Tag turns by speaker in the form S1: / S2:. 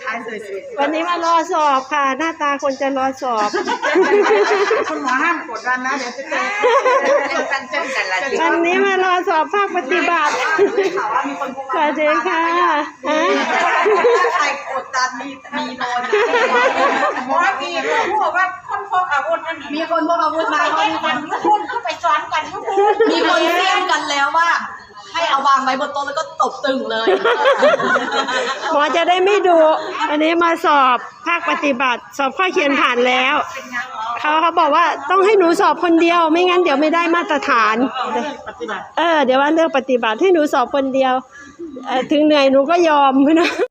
S1: วันนี้มารอสอบค่ะหน้าตาคนจะรอสอบ
S2: คุณหมอห้ามกดดันนะเดี๋ยวจะเจอ
S1: วันนี้มารอสอบภาคปฏิบัติสวัสดีค่ะ
S2: ใครกดดันมีโดนหมอมีผู้บอกว่าคนพกอาวุธนั่นมีคนพกอาวุธมามีคนพูดเข้าไปซ้อนกัน
S3: มีคนเรียกกันแล้วว่าให้เอาวางไว้บนโต๊ะแล้วก็ตบตึงเลย
S1: หมอจะได้ไม่ดูอันนี้มาสอบภาคปฏิบัติสอบข้อเขียนผ่านแล้วเขาบอกว่าต้องให้หนูสอบคนเดียวไม่งั้นเดี๋ยวไม่ได้มาตรฐานเดี๋ยวว่าเลือกปฏิบัติให้หนูสอบคนเดียวถึงเหนื่อยหนูก็ยอมนะ